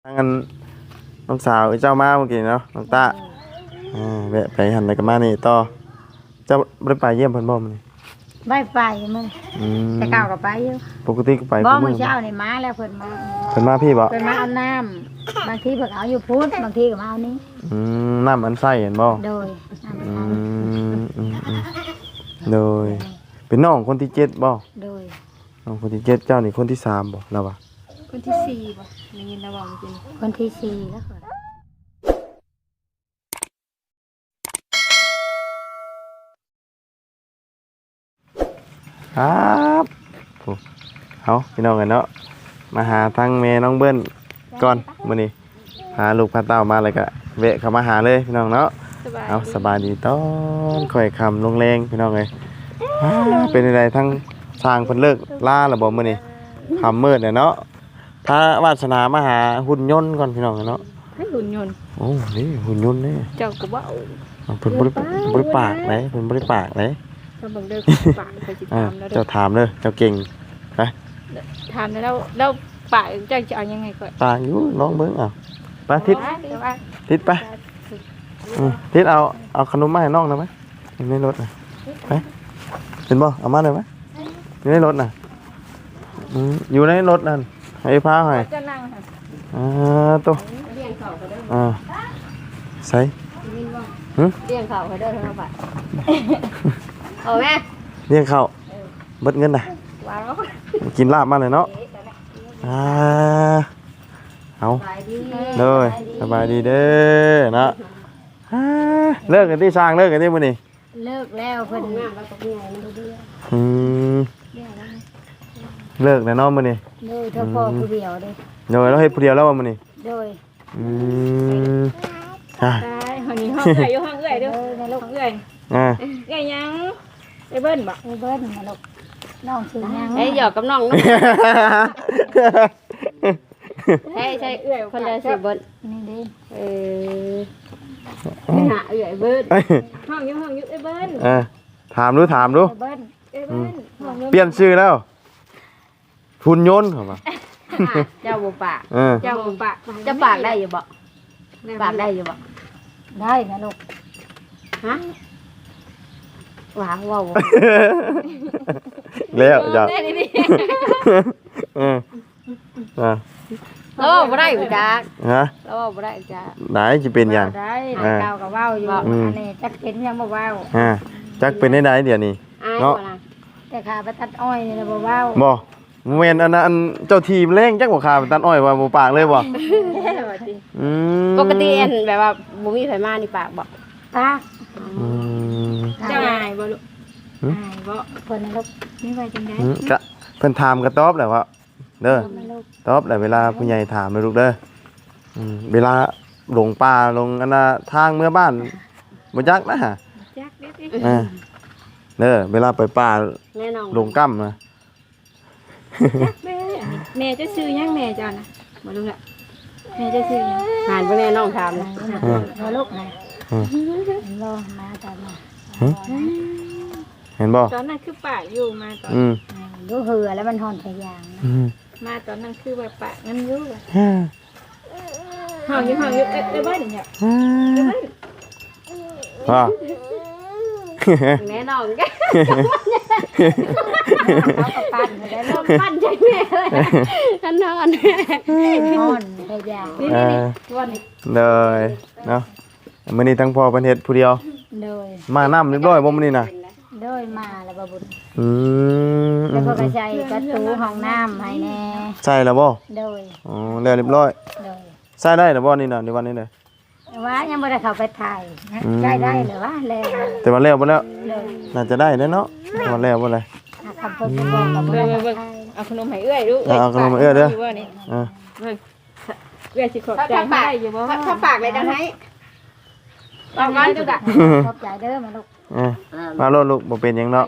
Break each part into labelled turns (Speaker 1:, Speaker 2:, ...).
Speaker 1: ทางกันน้องสาวเจ้ามาเมื่อกี้เนาะน้องตาแวะไปหันไปกับมานี่ต่อเจ้าได้ไปเยี่ยมเพิ่นบ่มื้อนี้
Speaker 2: ไม่ไปมึงแต่เก่าก็ไปอยู่
Speaker 1: ปกติก็ไป
Speaker 2: บ่มื้อเช้านี่มาแล้วเพิ่น
Speaker 1: มาพี่บ่
Speaker 2: เพิ่นมาเอาน้ำบางทีเพิ่นเอาอยู่พุทธบางทีก็มาเอานี้
Speaker 1: น้ำอันไส้เห็นบ่
Speaker 2: โดย
Speaker 1: โดยเป็นน้องคนที่7บ่
Speaker 2: โดย
Speaker 1: น้องคนที่7เจ้านี่คนที่3บ่แล้วว่ะ
Speaker 3: คนที่4บ่ได้ยินแล้วบ่เมื่อกี้
Speaker 2: คนที่4แล้ว
Speaker 1: ครับเอาพี่น้องกันเนาะมาหาทั้งแม่น้องเบิ้ลก่อนมื้อนี้พาลูกพาเต้ามาเลยก็แวะเข้ามาหาเลยพี่น้องเนาะเอาสบายดีตอนค่อยค่ำลงแรงพี่น้องเอ้ยเป็นอะไรทั้งสร้างเพิ่นเลิกล่าแล้วบ่มื้อนี้ค่ำมืดเนาะถ้าวาสนามาหาหุ่นยนต์ก่อนพี่น้องเนาะ
Speaker 3: ให้หุ่นยนต์
Speaker 1: โอ้นี่หุ่นยนต์นี่
Speaker 3: เจ้าก็บ่
Speaker 1: เพิ่นบ่ได้ปากไหนเพิ่นบ่ได้ปากไหน
Speaker 3: ถ้าเบิ่งเด้อปากเขาสิถามแล้วเด้อ
Speaker 1: เจ้าถามเด้อเจ้าเก่งไป
Speaker 3: ถามแล้วปากเจ้าจะเอายังไงก่อน
Speaker 1: ปากอยู่ลองเบิ่งเอาไปทิศไปทิศเอาขนมมาให้น้องได้มั้ยในรถน่ะไปเห็นบ่เอามาได้มั้ยอยู่ในรถน่ะอยู่ในรถนั่นให้พาให้
Speaker 3: จะนั่งค่ะ
Speaker 1: ตัว
Speaker 3: เลี้ยงเขาก็ได้
Speaker 1: ใส่
Speaker 3: เลี้ยงเขาก็ได้เท่าบาทเอาแม่
Speaker 1: เลี้ยงเขาเบิดเงินน่ะ
Speaker 3: วางแล้ว
Speaker 1: กินลาบมาเลยเนาะเอาเลยสบายดีเด้อเนาะเลิกกันที่สร้างเลิกกันที่มื้อนี้
Speaker 2: เลิกแล้วเพิ่น
Speaker 1: เลิกแล้วเนาะมื้อนี้
Speaker 2: โดยเฉพาะผู้เดียวเด้
Speaker 1: โดยเราเฮ็ดผู้เดียวแล้วว่ามื้อนี้
Speaker 2: โดย
Speaker 3: ห้องนี้ห้องเอื้อยอยู่ห้องเอื้อยเด้อในลูกห้องเอื้อยเอื้อยยังไอ้เบิ้ลบ่
Speaker 2: ไอ้เบิ้ลมาลูกน้องชื่อยัง
Speaker 3: ไอ้หยอกกับน้องใช่เอื้อยคนละสิเบิ้ล
Speaker 2: นี่เด้
Speaker 3: ไปหาเอื้อยเบิ้ลห้องอยู่ไอ้เบิ้ล
Speaker 1: ถามดู
Speaker 2: เบิ้ล
Speaker 1: เปลี่ยนชื่อแล้วหุ่นยนต์เหรอ
Speaker 3: เจ้าบ่ปากเจ้าบ่ปากจะปากได้อยู่บ่ปากได้อยู่บ่
Speaker 2: ได้นะลูก
Speaker 3: ฮะว้าว
Speaker 1: แล้วจ้ะ
Speaker 3: แล้วบ่ได้อยู่จ้า
Speaker 1: ฮะ
Speaker 3: แล้วบ่ได้จ้า
Speaker 1: ไหนจะเป็นอย่าง
Speaker 2: ได้เก่ากับว่าวอยู่อันนี้จักเป็นยังบ่ว่าว
Speaker 1: จักเป็นได้เดี๋ยวนี้
Speaker 3: เนาะ
Speaker 2: แต่ขาไปตัดอ้อยนี่บ่ว่าว
Speaker 1: บ่เวนอันเจ้าทีมเล่งจักบ่ขาไปตัดอ้อยว่าบ่ปากเลยบ่
Speaker 3: ปกติอันแบบว่าบ่มีไผมานี่ปากบ่
Speaker 2: ปาก
Speaker 3: เจ้าอายบ่ลูกอายบ่
Speaker 2: เพิ่นลูกนี่ไว้จังได๋
Speaker 1: ก็เพิ่นถามก็ตอบแหละว่าเด้อตอบแหละเวลาผู้ใหญ่ถามเลยลูกเด้อเวลาหลงป่าลงอันน่ะทางเมื่อบ้านบ่จักนะ
Speaker 3: จักเด้
Speaker 1: เด้อเวลาไปป่าลงกั้มนะ
Speaker 3: แม่จะซื้อยังแม่จ้านะบ่รู้ละแม่จะซื้อยังหานบ่แม่น้องถามนะ
Speaker 2: บ่ลูกนะรอมาตอนน่ะ
Speaker 1: เห็นบ่
Speaker 3: ตอนนั้นคือปากอยู่มาตอน
Speaker 2: ดูเหือแล้วมันหอนใส่ยาง
Speaker 3: มาตอนนั้นคือว่าปากมันอยู่ห้องอยู่เอ้ยเบิ้ลเนี่ย
Speaker 1: ว่า
Speaker 3: แม่น้องกัน
Speaker 2: เขาก็ปั้นได้เริ่ม
Speaker 3: ปั้นใจแม่เลยท่านนอน
Speaker 2: หอนใส่ยาง
Speaker 1: เลยเนาะมื้อนี้ทั้งพ่อเพิ่นเฮ็ดผู้เดียว
Speaker 2: เลย
Speaker 1: มาน้ำเรียบร้อยบ่มื้อนี้น่ะ
Speaker 2: เลยมาแล้วบ่บุญแล้วก็ใส่กระตูห้องน้ำให้แน่
Speaker 1: ใส่แล้วบ่
Speaker 2: เลย
Speaker 1: แล้วเรียบร้อยใส่ได้แล้วบ่นี่น่ะในวันนี้เลย
Speaker 2: ว่ายังบ่ได้เข้าไปถ่ายใส่ได้หรือว่าแล้ว
Speaker 1: แต่ว่าแล้วบ่แล้วน่าจะได้เนาะว่าแล้วบ่เลย
Speaker 2: คำเพิ่นบอกกับเบิ่ง
Speaker 3: เอาขนมให้เอื้อยดู
Speaker 1: เอาขนมเอื้อยเด้อ
Speaker 3: เอื้อยสิขอบใจให้อยู่บ่ถ้าปากเลยจังให้ตอนนั้นจุกะ
Speaker 2: ขอบใจเด้อมาลูก
Speaker 1: มาโลดลูกบ่เป็นหยังเนาะ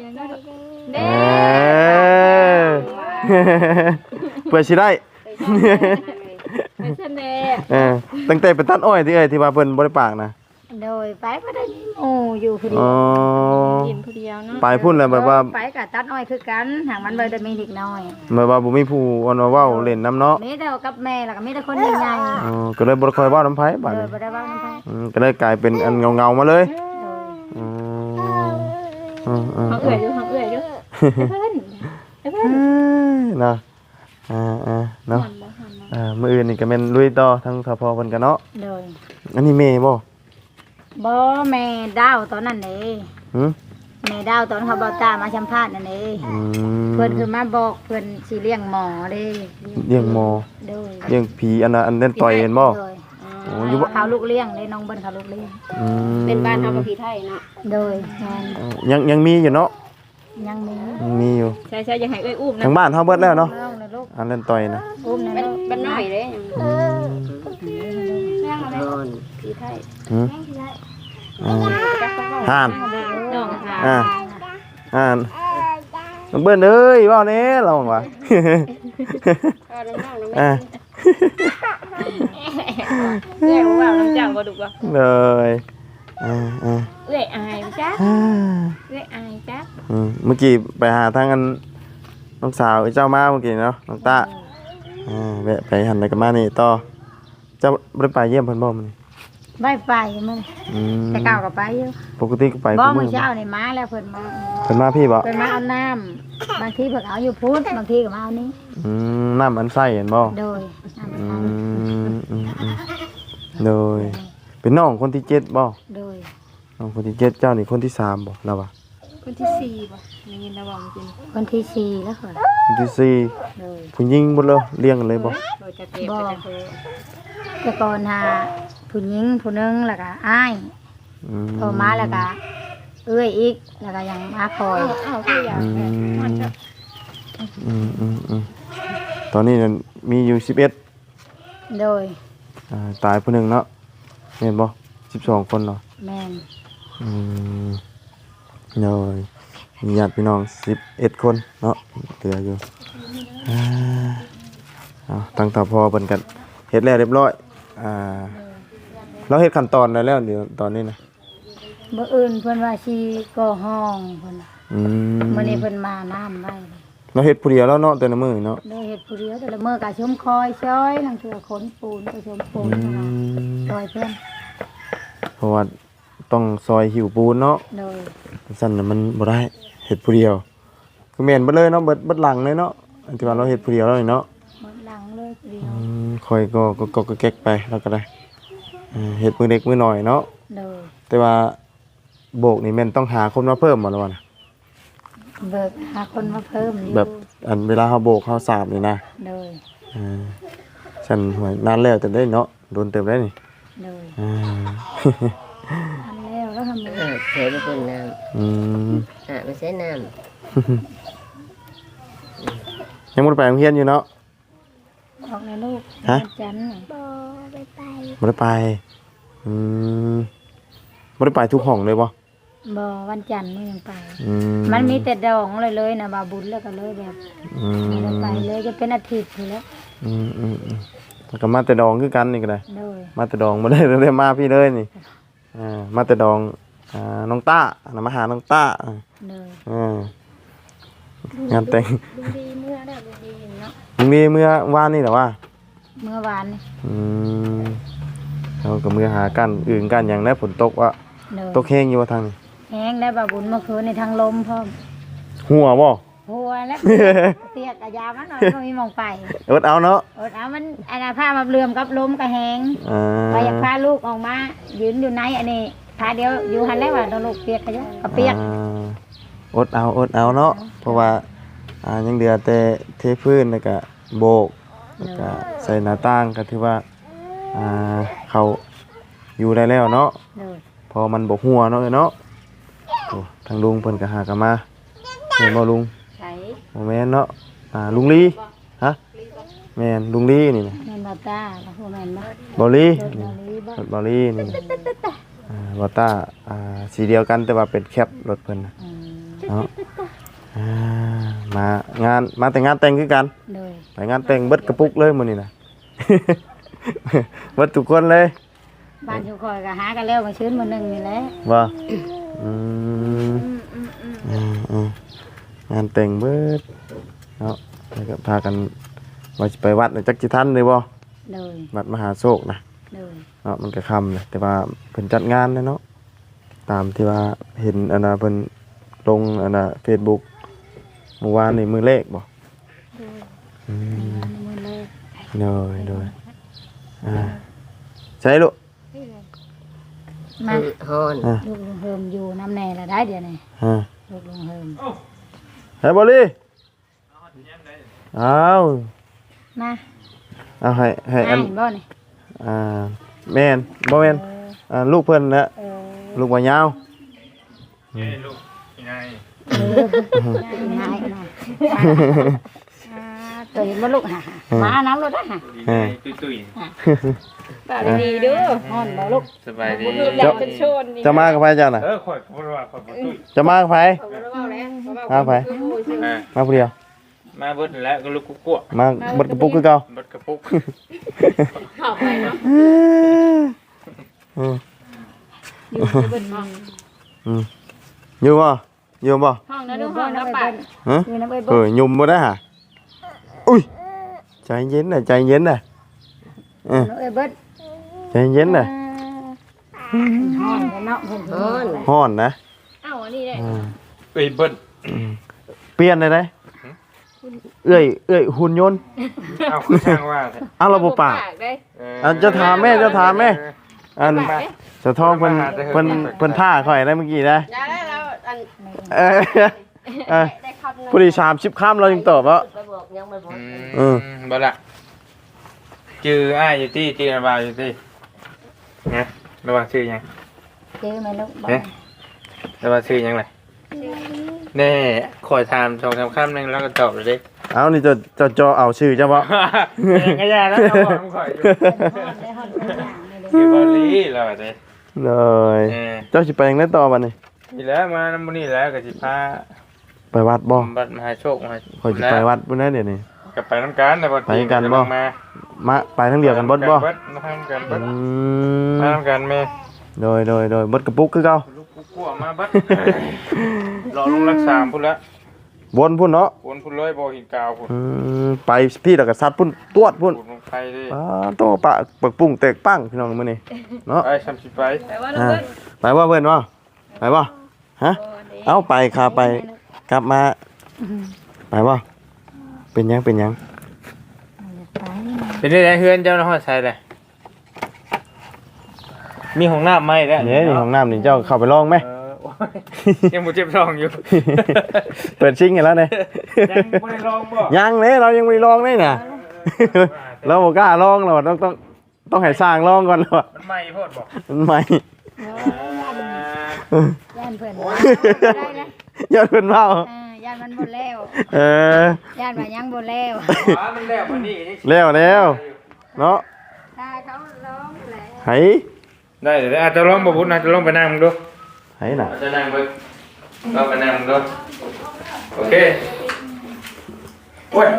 Speaker 1: เพื่อสิได้
Speaker 3: เป็นเสน่ห์
Speaker 1: ตั้งแต่ไปตัดอ้อยที่ว่าเพิ่นบ่ได้ปากนะ
Speaker 2: โดยไปบ่ได้มีหมู่อยู่ผู้เดีย
Speaker 1: อ๋อ
Speaker 2: ว
Speaker 3: กินผู้เดียวเนาะ
Speaker 1: ไปพุ่นแล้วแบบว่า
Speaker 2: ไปก็ตัดอ้อยคือกันหากมันบ่ได้มีเด็กน้อย
Speaker 1: แบบว่าบ่มีผู้อ่อนว่าเว้าเล่นน้ำเนาะ
Speaker 2: มีแต่กับแม่แล้วก็มีแต่คนใหญ่
Speaker 1: อ๋อก็เลยบ่ได้ค่อยเว้าน้ำไผ
Speaker 2: ๆ
Speaker 1: บัด
Speaker 2: โด
Speaker 1: นี้
Speaker 2: ยบ่ได้เว้านำไผ
Speaker 1: ก็เลยกลายเป็นอันเงาๆมาเลย
Speaker 2: โดย
Speaker 1: อ๋ออ๋ออ๋อ
Speaker 3: เขาเอื้อยอยู่เขาเอื้อยอยู่เพิ่นเพิ่น
Speaker 1: เนาะเนาะมื้ออื่นนี่ก็แม่นลุยต่อทั้งสพเพิ่นกันเนาะ
Speaker 2: โดย
Speaker 1: อันนี้แม่บ่
Speaker 2: บ่แม่ดาวตอนนั้นเด้
Speaker 1: หึ
Speaker 2: แม่ดาวตอนเขาบ่ตามาสัมภาษณ์นั่นเด้
Speaker 1: อืม
Speaker 2: เพิ่นคือมาบอกเพิ่นสิเลี้ยงหมอเด้
Speaker 1: เลี้ยงหมอ
Speaker 2: โดย
Speaker 1: เลี้ยงผีอันนั้นอันนั้นต่อยเห็นบ่
Speaker 2: โดย
Speaker 1: โอ้อยู่บ่
Speaker 2: เขาลูกเลี้ยงเด้น้องเบิ่นเขาลูกเลี้ยง
Speaker 1: อืม
Speaker 3: เป็นบ้านเฮากับพี่ไทยเนาะ
Speaker 2: โดยแม่น
Speaker 1: ยังมีอยู่เนาะ
Speaker 2: ยังมี
Speaker 1: ยังมีอยู่
Speaker 3: ใช่ๆอย่าให้เอ้ยอุ้มนะ
Speaker 1: ทางบ้านเฮาเบิดแล้วเนาะ
Speaker 2: น้องนะลูก
Speaker 1: อันนั้นต่อยนะ
Speaker 2: อุ้มนะลูก
Speaker 3: บ้านน้อยเด้
Speaker 1: อืม
Speaker 3: แม่อะไรพี่ไทย
Speaker 1: หืมห่าน
Speaker 3: น้องค่ะ
Speaker 1: ห่านน้องเบิ้นเอ้ยเว้าแหน่เราว่า
Speaker 3: น้องๆ
Speaker 1: อ่า
Speaker 3: เอ้ยว่าน้ำจังบ่ดุบ่
Speaker 1: เลยอ่า
Speaker 3: เอ้ยอายจ้ะเอ้ยอายจ้ะ
Speaker 1: เมื่อกี้ไปหาทางอันน้องสาวเจ้ามาเมื่อกี้เนาะน้องตาแวะไปหันไปกับมานี่ต่อเจ้าบ่ได้ไปเยี่ยมเพิ่นบ่มื้อนี้
Speaker 2: ไม่ไปมื้อ
Speaker 1: อืม
Speaker 2: แต่เก่าก็ไปอยู่
Speaker 1: ปกติก็ไป
Speaker 2: บ่
Speaker 1: ทุก
Speaker 2: มื้
Speaker 1: มื้
Speaker 2: อ
Speaker 1: อ
Speaker 2: เช้านี่มาแล้วเพิ่นมา
Speaker 1: เพิ่นมาพี่บ่
Speaker 2: เพิ่นมาเอาน้ำบางทีเพิ่นเอาอยู่พุทธบางทีก็มาเอานี้
Speaker 1: น้ำอันไส้เห็นบ่
Speaker 2: โดยน้ำ
Speaker 1: อืมโดยเป็นน้องคนที่7บ่
Speaker 2: โดย
Speaker 1: น้องคนที่7เจ้านี่คนที่3บ่แล้ววะ
Speaker 3: คนที่4บ่ได้ยินแล้วบ่จริง
Speaker 2: คนที่สี่แล้วค่ะ
Speaker 1: คนที่สี่
Speaker 2: โดย
Speaker 1: ผู้หญิงหมดเลยเลี้ยงกันเลยบ่
Speaker 3: โดยจะเก็บจะโทร
Speaker 2: แต่ก่อนหาผู้หญิงผู้หนึงแล้วก็อ้าย
Speaker 1: อืม
Speaker 2: โทรมาแล้วก็เอื้อยอีกแล้วก็ยังมาคอย
Speaker 3: อ้าวคืออยากแม่มันจะ
Speaker 1: ตอนนี้นั่นมีอยู่11
Speaker 2: โดย
Speaker 1: ตายผู้หนึงเนาะแม่นบ่12คนเนาะ
Speaker 2: แม่น
Speaker 1: อืมโดยมีญาติพี่น้อง11คนเนาะเหลืออยู่เอาตั้งแต่พอเพิ่นกันเฮ็ดแล้วเรียบร้อยเราเฮ็ดขั้นตอนได้แล้วเดี๋ยวตอนนี้นะ
Speaker 2: มื้ออื่นเพิ่นว่าสิก่อห้องเพิ่นน่ะ
Speaker 1: อืม
Speaker 2: มื้อนี้เพิ่นมาน้ำไว้
Speaker 1: เราเฮ็ดผู้เดียวแล้วเนาะแต่ละมื้อเนาะ
Speaker 2: โดยเฮ็ดผู้เดียวแต่ละมื้อก็ชมคอยช้อยทั้งเทื่อขนปูนก็ชมปูนซอยเพิ่น
Speaker 1: เพราะว่าต้องซอยหิวปูนเนาะ
Speaker 2: โดย
Speaker 1: สั่นน่ะมันบ่ได้เฮ็ดผู้เดียวก็แม่นเบิดเลยเนาะเบิดหลังเลยเนาะอันที่ว่าเราเฮ็ดผู้เดียวแล้วนี่เนาะ
Speaker 2: หมดหลังเลยผู้เดียว
Speaker 1: คอยก็แก๊กไปแล้วก็ได้เฮ็ดมื้อเล็กมื้อน้อยเนาะ
Speaker 2: โดย
Speaker 1: แต่ว่าโบกนี่แม่นต้องหาคนมาเพิ่มบ่ล่ะวะนะ
Speaker 2: เบิกหาคนมาเพิ่มอยู่
Speaker 1: แบบอันเวลาเฮาโบกเฮาสาบนี่นะ
Speaker 2: โดย
Speaker 1: ฉันหวยนานแล้วแต่ได้เนาะโดนเติมได้นี่
Speaker 2: โดย
Speaker 1: อ่า
Speaker 2: ทำแล้วทำเลย
Speaker 4: เสียไปเป็นน้
Speaker 1: อืม
Speaker 4: ำไม่ใช่น้
Speaker 1: ยังบ่ได้ไปโรงเรียนอยู่เนาะ
Speaker 2: ออกในลูก
Speaker 1: ฮะ
Speaker 2: วันจันทร์น่ะ
Speaker 1: บ่ได้ไปอืมบ่ได้ไปทุกห้องเลยบ่
Speaker 2: บ่วันจันทร์นี่ยังไป
Speaker 1: อื
Speaker 2: มันมีแต่ดองเลยนะบาบุญแล้วก็เลยแบบ
Speaker 1: อืม
Speaker 2: ไม่ได้ไปเลยจะเป็นอาทิตย์อยู่แล้ว
Speaker 1: แล้วก็มาแต่ดองคือกันนี่ก็ได้
Speaker 2: โดย
Speaker 1: มาแต่ดองบ่ได้เลยมาพี่เลยนี่มาแต่ดองน้องต้าน่ะมาหาน้องต้า
Speaker 2: โดย
Speaker 1: งานแต่ง
Speaker 3: ลุงดีเมื่อได้ลุงดีเนาะ
Speaker 1: มึงมีเมื่อวานนี่เหรอวะ
Speaker 2: เมื่อวานนี่
Speaker 1: เราก็มือหากันอื่นกันอย่างได้ฝนตกวะ
Speaker 2: โดย
Speaker 1: ตกแห้งอยู่ว่าทางนี้
Speaker 2: แห้งได้บาบุญเมื่อคืนในทางลมพร้อม
Speaker 1: หัวบ่
Speaker 2: หัวแล้วเตียกกะยามันหน่อยก็มีหมองไป
Speaker 1: อดเอาเนาะ
Speaker 2: อดเอามันอันน่ะผ้ามาเลื่อมกับลมกระแหง
Speaker 1: อ่า
Speaker 2: ไปอยากพาลูกออกมายืนอยู่ในอันนี้พาเดียวอยู่หันแล้วว่าโดนลูกเปียกกะยะก็เปียก
Speaker 1: อดเอาเนาะเพราะว่ายังเดือแต่เทพื้นแล้วก็โบกแล้วก็ใส่หน้าต่างก็ถือว่าเขาอยู่ได้แล้วเนาะ
Speaker 2: โดย
Speaker 1: พอมันบกหัวเนาะเนาะโอ้ทางลุงเพิ่นก็หากันมาเห็นบ่ลุง
Speaker 2: ใส่
Speaker 1: บ่แม่นเนาะลุงลีฮะแม่นลุงลีนี่นะ
Speaker 2: แม่นบาตาแล้วพวกแม่นบ่
Speaker 1: บอลี
Speaker 2: รถ
Speaker 1: นี่
Speaker 2: ลอรีบ่
Speaker 1: รถบอลีนี่นะบอต้าสีเดียวกันแต่ว่าเป็นแคปรถเพิ่นน่ะ
Speaker 2: อืม
Speaker 1: เนาะมางานมาแต่งานแต่งคือกัน
Speaker 2: โดย
Speaker 1: ไปงานแต่งเบิดกระปุกเลยมื้อนี้นะ เบิดทุกคนเลย
Speaker 2: บ้านอยู่คอยก็หากันแล้วมาชื้นมื้อนึงนี่แหละ
Speaker 1: บ่อืมงานแต่งเบิดเนาะแล้วก็พากันว่าสิไปวัดน่ะจักสิทันเลยบ่
Speaker 2: เลย
Speaker 1: วัดมหาโชคนะ
Speaker 2: เลย
Speaker 1: เนาะมันก็ค่ำเลยแต่ว่าเพิ่นจัดงานเนาะตามที่ว่าเห็นอันน่ะเพิ่นลงอันน่ะ Facebook เมื่อวานนี่มื้อเลขบ่อืม
Speaker 2: มื้อเลย
Speaker 1: โดยใช่ลูก
Speaker 2: มา
Speaker 3: ฮ้อน
Speaker 2: ลูกลุงเฮิมอยู่น้ำแน่ละได้เดี๋ยวนี้
Speaker 1: อ่า
Speaker 2: ลูกลุงเฮิม
Speaker 1: เฮ้ยบอลลี่เอา
Speaker 2: มา
Speaker 1: เอาให้อัน
Speaker 2: บ่นี่
Speaker 1: แม่นบ่แม่นลูกเพิ่นนะ
Speaker 2: เออ
Speaker 1: ลูกบ่ยาว
Speaker 4: นี่ลูกยังไง
Speaker 2: ง่ายนะตัวเห็นบ่ลูกหามาน้ำรถนะฮะ
Speaker 4: ตุ้ย
Speaker 3: ตาดีๆเด้อ
Speaker 2: ฮ้อนบ่ลูก
Speaker 4: สบายดี
Speaker 3: แดดเป็นโชนนี่
Speaker 1: จะมากับไผเจ้าน่ะ
Speaker 4: ข่อยพูดว่าข่อยตุ้ย
Speaker 1: จะมากับไผ
Speaker 3: เขาบ่ได้เว้าแล้ว
Speaker 1: มาไป มาผู้เดียว
Speaker 4: มาเบิดแล้วก็ลูกกุ้ว
Speaker 1: มาบดกระปุกคือเก่า
Speaker 4: เบิดกระปุก
Speaker 3: เข้าไปเนาะ
Speaker 1: อืม
Speaker 3: อยู่ในเบิ่นห้อง
Speaker 1: อยู่บ่อยู่บ่
Speaker 3: ห้องนั้นดูห้องนะปัด
Speaker 1: ฮะ
Speaker 2: อยู่น้ำไป
Speaker 1: เอ
Speaker 2: บ่
Speaker 1: อยุ่มบ่ได้ฮะอุ้ยใจเย็นน่ะใจเย็นน่ะ
Speaker 2: น้ำไปเบิด
Speaker 1: ใจเย็นน่ะ
Speaker 2: ฮ้อนเนาะเพิ่นฮ้อน
Speaker 1: ฮ้อนนะ
Speaker 3: เอ้าอันนี้ได้
Speaker 4: เอ้ยเบิด
Speaker 1: เปลี่ยนได้ไหมเอ้ยหุ่นยนต์
Speaker 4: เอาคือช่างว่า
Speaker 1: เอาเราบ่ปาก
Speaker 3: ได้
Speaker 1: อันจะถามแม่อันจะท้องเพิ่นท่าข่อยได้เมื่อกี้นะ
Speaker 3: ยาได้แล้วอัน
Speaker 1: เออ
Speaker 3: ได้คำนึง
Speaker 1: พอดี30ค่ำเรายังตอบว่า
Speaker 3: ไปบอกยังไม่บอก
Speaker 4: บ่ละชื่ออ้ายอยู่ที่ชื่ออะไรอยู่ที่นะระวังชื่อยัง
Speaker 2: เจอไหมลูกบ่
Speaker 4: ระวังชื่อยังไงแน่คอยถาม2-3คำนึงแล้วก็ตอบเลยดิ
Speaker 1: เอานี่จะเอาชื่อเจ้าบ่
Speaker 4: ยังก็ยาแล้วเราบอกข่อยอยู่
Speaker 2: ได้ฮ้อนทุกอย่างเลย
Speaker 4: คือบอลลี่เราเด้
Speaker 1: เลยเจ้าสิไปยังไดต่อบัดนี้
Speaker 4: นี่แล้วมานำมื้อนี้แล้วก็สิพา
Speaker 1: ไปวัดบ่
Speaker 4: บัดมหาโชคมา
Speaker 1: ข่อยสิไปวัดพุ่นนะเดี๋ยวนี้
Speaker 4: ก็ไปนำกันแต่บ่
Speaker 1: ไปกันบ่ มาไปทั้งเดียวกันเบิดบ่
Speaker 4: มาทำกันเบิด
Speaker 1: ม
Speaker 4: มาทำกันแม่
Speaker 1: โดยเบิดกระปุกคือเก่า
Speaker 4: ลูกกูกลัวมาเบิดรอลงรักษาพุ่นละ
Speaker 1: วนพุ่นเนาะ
Speaker 4: วนพุ่นเลยบ่หินกาวพุ่น
Speaker 1: ไปพี่แล้วก็ซัดพุ่นตวดพุ่น
Speaker 4: พุ่นลงไปดิ
Speaker 1: โตปะปักปุ้งแตกปังพี่น้องมื้อนี้เนาะ
Speaker 4: ไปซ้ำสิไป
Speaker 3: แต่ว่าเราเบิ่น
Speaker 1: ไปว่าเพื่อนว่าไปว่าฮะเอาไปค่ะไปกลับมาไปว่าเป็นยัง
Speaker 2: ไป
Speaker 4: เป็นได้เฮือนเจ้าน้องใส่ได้มีห้องน้ำไหมแล้ว
Speaker 1: เนี่ยนี่ห้องน้ำนี่เจ้าเข้าไปลองไหม
Speaker 4: โอ้ยยังบ่เจ็บท้องอยู่
Speaker 1: เปิดชิงกันแล้วเนี่ย
Speaker 4: ยังบ่ได้ลองบ่
Speaker 1: ยังเลยเรายังไม่ลองเลยน่ะเราบอกกล้าลองเราต้องให้สร้างลองก่อนเรา
Speaker 4: มันใหม่โพดบ่
Speaker 1: มันใหม่
Speaker 2: ย่านเพิ่น
Speaker 1: ยอดเพิ่นเมา
Speaker 2: ย่านมันบ่แล้ว ย่านว่ายังบ่แล้ว
Speaker 4: มันแล้วมันนี่
Speaker 1: แล้วเนาะ
Speaker 2: ถ้าเขาร้องแล้ว
Speaker 1: ไห
Speaker 4: ได้เดี๋ยวอาจจะลองบ่พุ่นอาจจะลองไปนั่งมึงดู
Speaker 1: ไหน่ะ
Speaker 4: อาจจะนั่งเบิ่งลองไปนั่งมึงดูโอเคโอ้ย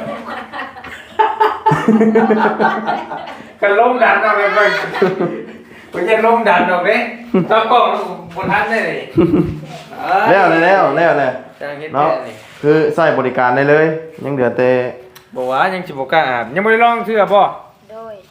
Speaker 4: กันลมดันเอาไปเบิ่งบ่จะลมดันออกเด้ถ้ากล้องบ่ทันได้นี่
Speaker 1: แล้วเลย
Speaker 4: จังเฮ็ด
Speaker 1: เนาะ
Speaker 4: แน่นี่
Speaker 1: คือใส่บริการได้เลย ยังเหลือแต่
Speaker 4: บอกว่ายังสิบ่กล้าอาบยังบ่ได้ลองเสื้อบ่
Speaker 2: โดย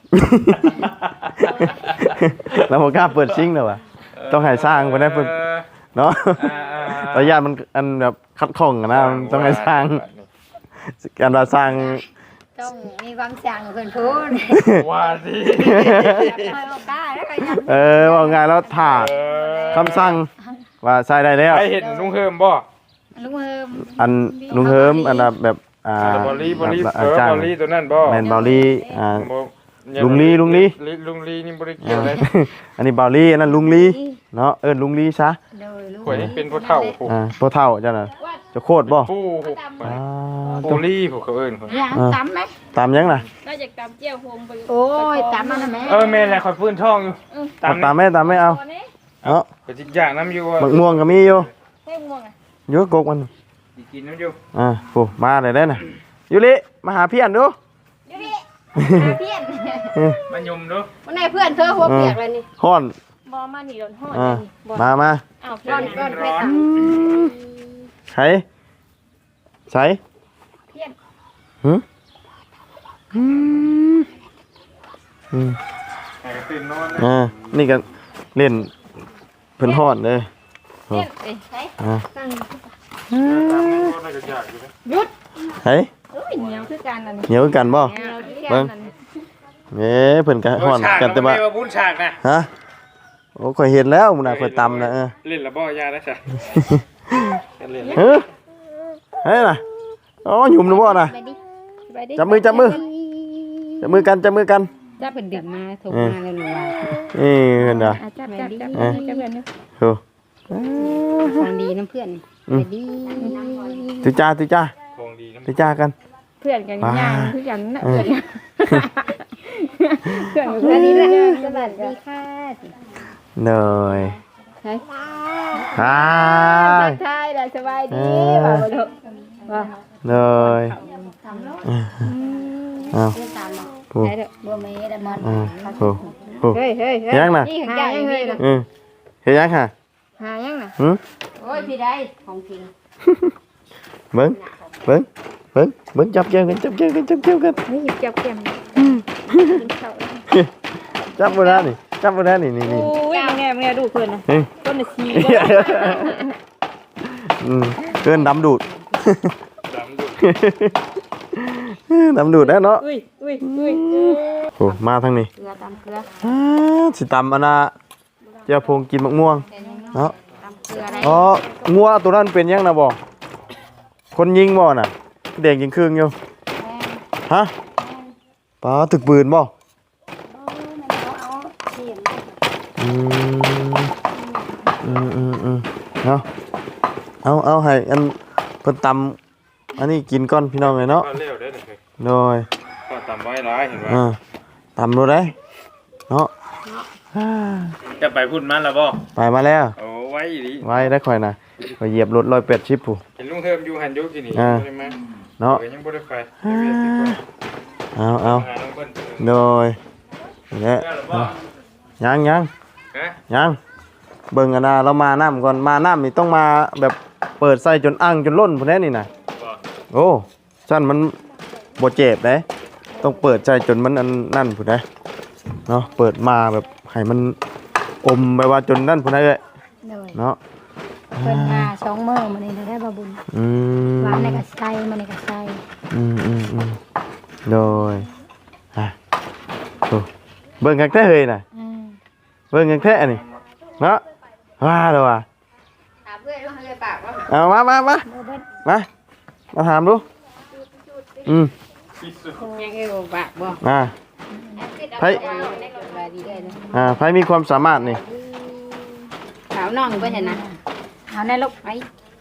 Speaker 1: เราบอกกล้าเปิดชิงเลยวะต้องให้สร้างไปได้เพิ่นเนาะระยะมันอันแบบคัดข้องอะนะมันต้องให้สร้างการว่าสร้าง
Speaker 2: ต้องมีความสั่งเพิ่นพูด
Speaker 4: ว่าสิ
Speaker 2: คอยบ่กล้าแล้วก็ยัง
Speaker 1: ว่าไงแล้วถ่าคำสั่งว่าใส่ได้แล้ว
Speaker 4: ไปเห็นลุงเฮิมบ่
Speaker 2: ลุงเฮิม
Speaker 1: อันลุงเฮิมอันน่ะแบบ
Speaker 4: บอลลี่บอลลี่
Speaker 1: จ้าง
Speaker 4: บอลลี่ตัวนั้นบ่
Speaker 1: แมนบอลลี่
Speaker 4: บ่
Speaker 1: ลุงลี
Speaker 4: ลุงลีนี่บ่ได้เกี่ยวเลย
Speaker 1: อันนี้บอลลี่อันนั้นลุงลีเนาะลุงลีซะ
Speaker 2: โดยลุง
Speaker 4: ข่อยนี่เป็นพ่อเฒ่าผู้
Speaker 1: พ่อเฒ่าจ้ะน่ะจะโคตรบ่
Speaker 4: ผู้บ
Speaker 1: ต้
Speaker 4: อ
Speaker 1: อง
Speaker 4: ลลี่ผู้เขาเอิ้น
Speaker 2: ย่างตำไหม
Speaker 1: ตามยังน่ะ
Speaker 3: น่าจะตำเจียวโฮมไป
Speaker 2: โอ้ยตำมันน่ะแม่
Speaker 4: แม่นแหละข่อยฟื้นท้องอยู่
Speaker 1: ตามไม่เอา
Speaker 3: ตอนนี้
Speaker 1: เนาะ
Speaker 4: ก็สิย่างน้ำอยู่ว่า
Speaker 1: บักม่วงก็มีอยู่
Speaker 3: ให้ม่วงอ่ะ
Speaker 1: อยู่กกมัน
Speaker 4: สิกินน้ำอยู่
Speaker 1: โอ้มาเลยได้น่ะยูริมาหาพี่อันดู
Speaker 3: อยู่ดิเพี้ยน
Speaker 4: มันยมดู
Speaker 3: วันไหนเพื่อนเธอหัวเปียกเลยนี่
Speaker 1: ฮ้อน
Speaker 3: บ่มานี่โดนฮ้อน
Speaker 1: อ่า
Speaker 3: บ่
Speaker 1: มา
Speaker 3: อ้าวร้อนร้อนเพื่อน
Speaker 1: ใช้ใช้
Speaker 3: เพี้ยน
Speaker 1: หึอืมอืม
Speaker 4: ให้กระตื่นนอนนะ
Speaker 1: นี่ก็เล่นเพิ่นฮ้อนเลย
Speaker 3: เพี้ยนเอ้ยใช่
Speaker 1: อ่า
Speaker 3: ตั้ง
Speaker 4: ตามนี้ก็น่าจะยากอยู่นะ
Speaker 3: หยุด
Speaker 1: เฮ้ย
Speaker 3: เอ้ยเหนียวคือกันอันนี้
Speaker 1: เหนียวกันบ่
Speaker 3: เหนียวคือกันอันนี้
Speaker 1: เอ้เพิ่นก็ฮ้อนกันแต่ว่า
Speaker 4: เอบุญฉากนะ
Speaker 1: ฮะโอ้ข่อยเห็นแล้วมื้อน่ะข่อยตำนะ
Speaker 4: เล่นละบ่ยาได้จ้ะเล่น
Speaker 1: เฮ้ยเฮ้ยน่ะอ๋อหยุ่มนะบ่น่ะ
Speaker 3: ไปดิไปดิ
Speaker 1: จับมือกัน
Speaker 3: จับเป็นดึงมาถูกมาเลยหนูว่า
Speaker 1: นี่เพิ่นน่ะ
Speaker 3: จับเพื่อนนี่
Speaker 1: โอ้
Speaker 3: ฟังดีน้ำเพื่อนไปดี
Speaker 1: ตุจ้า
Speaker 4: ของดีนะ
Speaker 1: ตุจ้ากัน
Speaker 3: เพื่อนกันย่างคือกันนะเพื่อนเพื่อนกันนี่แหละสวัสดีค่ะ
Speaker 1: เหนื่อย
Speaker 3: ใช่
Speaker 1: ฮ่า
Speaker 3: ใช่แล้วสบายดีบ่าวลูกว่า
Speaker 1: เหนื่อยอ้าวโอ้
Speaker 3: ใช่เด้อ
Speaker 2: บ่มีได้มัน
Speaker 1: โอ้โอ้
Speaker 3: เฮ้ยนี่ของจ่ายยังเฮ้ย
Speaker 1: เฮ็ดยังค่ะ
Speaker 3: หายังน่ะ
Speaker 1: หึ
Speaker 2: โอ้ยพี่ได้ของจริง
Speaker 1: เบิ่งจับแก้วกัน
Speaker 3: นี่จับแก้ม
Speaker 1: จับบ่ได้นี่นี่
Speaker 3: โอ้ยแม่ดูเพิ่นน่ะต้นน่ะชี
Speaker 1: เกินดำดูด
Speaker 4: ดำดุ
Speaker 1: ดำดูดแล้วเนาะ
Speaker 3: อุ้ย
Speaker 1: โอ้มาทางนี้
Speaker 3: เกลือตามเกลือ
Speaker 1: สิตำอันน่ะเจ้าพงกินมะม่วงเนาะ
Speaker 3: ตามเกลืออะไร
Speaker 1: อ๋องัวตัวนั้นเป็นยังนะบ่คนยิงบ่น่ะเด็กยิงครึ่งอยู่ฮะป้าตึกปืนบ่อืมเนาะเอาให้อันเพิ่นตำอันนี้กินก่อนพี่น้องเลยเนาะ
Speaker 4: ก็เร็วได้เลย
Speaker 1: โดย
Speaker 4: ก็ตำไว้ร้ายเห็นไหม
Speaker 1: ตำรู้ได้เนาะ
Speaker 4: จะไปพูดมันแล้วบ่
Speaker 1: ไปมาแล้ว
Speaker 4: โอ้ไว้ดี
Speaker 1: ไว้ได้ค่อยนะไปเหยียบรถ180ผู้
Speaker 4: เห็นลุงเฮิมอยู่หันยุกินี่ใช่ไหม
Speaker 1: เนาะ
Speaker 4: ยังบ่ได้ไป
Speaker 1: เอา
Speaker 4: หาน้องเพิ่น
Speaker 1: โดยและยัง
Speaker 4: ฮะ
Speaker 1: เบิ่งอันน่ะเรามาน้ำก่อนมาน้ำนี่ต้องมาแบบเปิดใส่จนอ่างจนล้นพุ่นแน่นี่น่ะ
Speaker 4: บ่
Speaker 1: โอ้ซั่นมันบ่เจ็บเด้ต้องเปิดใจจนมันอันนั่นพุ่นเด้เนาะเปิดมาแบบให้มันอมไปว่าจนนั่นพุ่นได้เอ้ย
Speaker 2: เลย
Speaker 1: เนาะ
Speaker 2: เพิ่นมา2มื้อมื้อนี้ได้บ่บุญ
Speaker 1: อืม
Speaker 2: วันนี้ก็ใส่มื้อนี้ก็ใส่
Speaker 1: โดยโอ้เบิ่งคักแท้เฮ้ยน่ะเบิ่งคักแท้นี่เนาะว่าแล้วว่ะ
Speaker 3: ถามเพื่อนว่าเฮ้ยปากว่า
Speaker 1: เอามา
Speaker 2: บ่เบิด
Speaker 1: มาถามดูอืม
Speaker 3: ยังเอ้ยปากบ่
Speaker 1: ไผ
Speaker 3: สบายดีเอ้ยนะ
Speaker 1: ไผมีความสามารถนี่
Speaker 3: สาวน้องเพิ่นเห็นนะ
Speaker 2: เอาแน่ลูกไป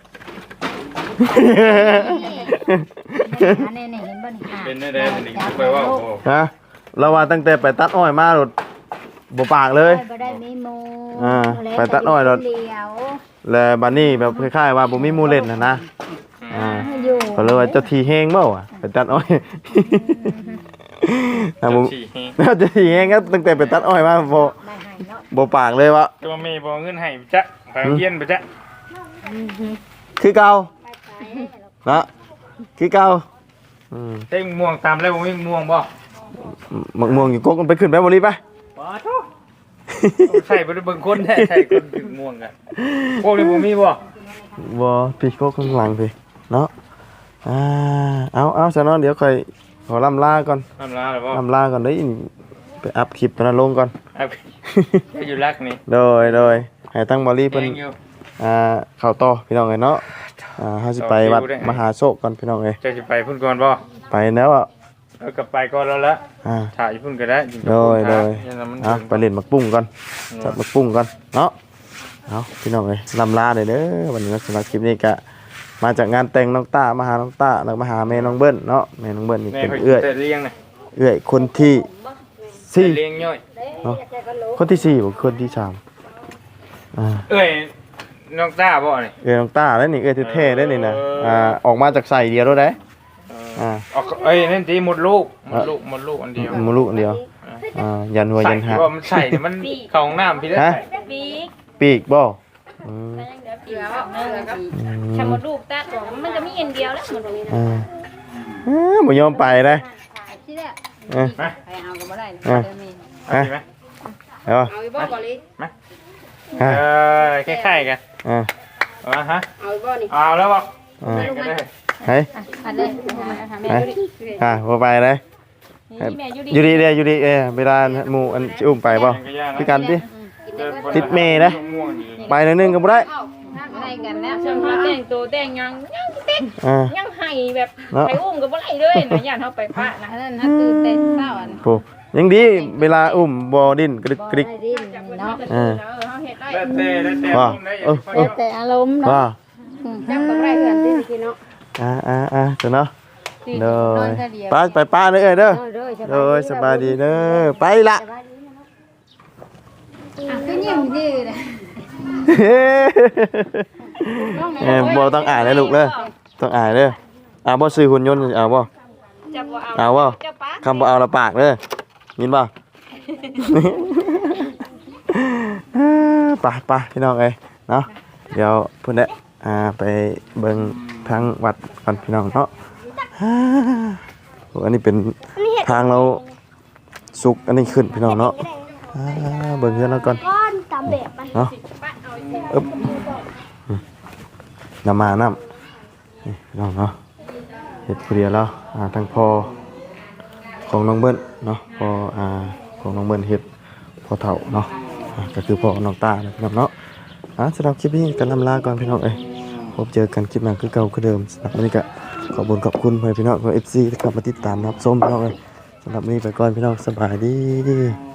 Speaker 2: อันนี้เห็นบ่นี่
Speaker 4: เป็นได้นี่ไปว่าโอ้
Speaker 1: ฮะเราว่าตั้งแต่ไปตัดอ้อยมาโดดบ่ปากเลย
Speaker 2: บ่ได้มีหมู่
Speaker 1: ไปตัดอ้อยโดด
Speaker 2: เดียว
Speaker 1: แล้วบัดนี้แบบคล้ายๆว่าบ่มีหมู่เล่นน่ะนะ
Speaker 2: อยู่
Speaker 1: ก็เลยว่าเจ้าที่แฮงเบ้าไปตัดอ้อยถ้าบ่
Speaker 4: ฉี่
Speaker 1: เจ้าที่แฮงก็ตั้งแต่ไปตัดอ้อยมาบ่
Speaker 2: ได้ให้เนาะ
Speaker 1: บ่ปากเลยว่า
Speaker 4: ตัวเมย์บ่เงินให้จ๊ะไปเรียนไปจ๊ะ
Speaker 1: คือเก่าเนาะคือเก่า
Speaker 4: เต้งม่วงตามแล้วบ่มีม่วงบ่
Speaker 1: มักม่วงอยู่กกมันไปขึ้นไปบ่รีบไป
Speaker 4: บ่โตใส่บ่ได้เบิ่งคนแท้ใส่คนถึงม่วงกันพวกนี้บ่มีบ่
Speaker 1: บ่พี่กกข้างหลังพี่เนาะเอาซะเนาะเดี๋ยวค่อยขอล่ำลาก่อน
Speaker 4: ทำลาแล้วบ่
Speaker 1: ล่ำลาก่อนเด้ยไปอัพคลิปตอนนั้นลงก่อน
Speaker 4: อยู่รักนี่
Speaker 1: โดยให้ทั้งบอลลี่เพิ่น
Speaker 4: อยู่
Speaker 1: เข้าต่อพี่น้องเอ้ยเนาะเฮาสิไปวัดมหาโศกก่อนพี่น้องเอ้ย
Speaker 4: จะสิไปพุ่นก่อนบ่
Speaker 1: ไปแล้วอ่ะ
Speaker 4: เอากลับไปก่อนแล้วละ
Speaker 1: อ่า
Speaker 4: ถ่ายพุ่นก็ได้
Speaker 1: โดย
Speaker 4: มัน
Speaker 1: ไปเล่นมักปุ้งก่อนจับมักปุ้งก่อนเนาะเอาพี่น้องเอ้ยลำลาเด้อวันนี้สำหรับคลิปนี้ก็มาจากงานแต่งน้องต้ามาหาน้องต้าแล้วมาหาแม่น้องเบิ้ลเนาะแม่น้องเบิ้ลนี่
Speaker 4: แม่
Speaker 1: เป็น
Speaker 4: เพิ่น
Speaker 1: เอื้อย
Speaker 4: แต่เลี้ยงน่ะ
Speaker 1: เอื้อยคนที่สี่
Speaker 4: เลี้ยงย่อย
Speaker 1: เนาะคนที่สี่บ่คนที่สาม
Speaker 4: เอ้ยน้องต้าบ่นี่
Speaker 1: เอื้อยน้องต้าแล้วนี่เอื้อยแท้ๆได้นี่นะออกมาจากใส่เดียวแล้วได้
Speaker 4: เออเอ้ยนั่นสิหมดลูกอันเดียว
Speaker 1: หมูลูกอันเดียวยันหัวยันหาง
Speaker 4: ว่ามันใส่เนี่ยมันเข้าห้องน้ำพี่ได้
Speaker 1: ฮะ
Speaker 4: ใส่
Speaker 3: ปีก
Speaker 1: ปีกบ่อืม
Speaker 3: ปีกชาหมดลูกตัดมันจะมีอันเดียวแล้วหมดนี้นะ
Speaker 1: บ่ยอมไปเลย
Speaker 2: ที่แรก
Speaker 1: เออ
Speaker 4: มา
Speaker 2: ไปเอาก็บ่ได้
Speaker 1: อ่ะ
Speaker 2: เดี๋ยวมี
Speaker 4: เอาสิไหม
Speaker 1: เอา
Speaker 3: เอาอีบ่บ่ลิ
Speaker 1: ฮะ
Speaker 4: คล้ายๆกัน ฮะ
Speaker 3: เอาอีบ่นี่
Speaker 4: เอาแล้วบอก
Speaker 1: อ่า
Speaker 4: แบ่งกันเลย
Speaker 1: เฮ้ย
Speaker 2: อันนี้
Speaker 3: แม่อยู่ดิ
Speaker 1: บ่ไปเลย
Speaker 3: แม่อยู่
Speaker 1: อยู่ดีเด้อยู่ดีเวลาหมู่อันสิอุ้มไปบ่คือกันติ ติดเมย์นะ ไปหน่อยนึงก็บ่ได้
Speaker 2: ได้กันแล้ว
Speaker 3: ช่างเขาแต่งตัวแต่งยังเต็ก
Speaker 1: อ่า
Speaker 3: ยังให้แบบไปอุ้มก็บ่ได้เลยนะย่านเฮาไปพระนะ
Speaker 2: อันนั้นตื่นเต้นเศร้าอัน
Speaker 1: โอ้ยังดีเวลาอุ้มบ่ดิ้นกระดึกกระดิก
Speaker 2: ได้ดิ้นเนาะ
Speaker 3: เฮาเฮ็ดได้
Speaker 4: แล้วแต่
Speaker 1: ว่า
Speaker 4: ผมได้
Speaker 2: แต่อารมณ์เนาะ
Speaker 1: ว่า
Speaker 3: จับกับไรเฮือนที่กินเนาะ
Speaker 1: จ้ะเนาะเด้อ
Speaker 2: นอนแค่เดียว
Speaker 1: ไปป้าเด้อเด้อ
Speaker 2: โดย
Speaker 1: สบายดีเด้อไปละ
Speaker 2: ก็ยิ้มดื้อเลย
Speaker 1: บ่ต้องอ่านเลยลูกเด้อต้องอ่านเด้อบ่ซื้อหุ่นยนต์เอาบ่
Speaker 3: จะบ่
Speaker 1: เอาบ่
Speaker 3: จะปะ
Speaker 1: คำบ่เอาละปากเด้อยินบ่ ไปพี่น้องเอ้ยเนาะเดี๋ยวเพิ่นได้ไปเบิ่งทางวัดก่อนพี่น้องเนาะโอ้อันนี้เป็นทางเราสุกอันนี้ขึ้นพี่น้องเนาะเบิ่งเฮือนเราก่อน
Speaker 5: ก้อนตามแบบมัน
Speaker 1: เนาะอึ๊บน้ำมาน้ำนี่พี่น้องเนาะเฮ็ดผู้เดียวแล้วทางพ่อของน้องเบิ้ลเนาะพ่อของน้องเบิ้ลเฮ็ดพ่อเฒ่าเนาะก็คือพ่อน้องตานะพี่น้องเนาะสำหรับคลิปนี้กันลำลาก่อนพี่น้องเอ้ยพบเจอกันคลิปหน้าคือเก่าคือเดิมสำหรับวันนี้ก็ขอบคุณขอบคุณพี่น้องของ FC ที่เข้ามาติดตามรับชมพี่น้องเอ้ยสำหรับวันนี้ไปก่อนพี่น้องสบายดี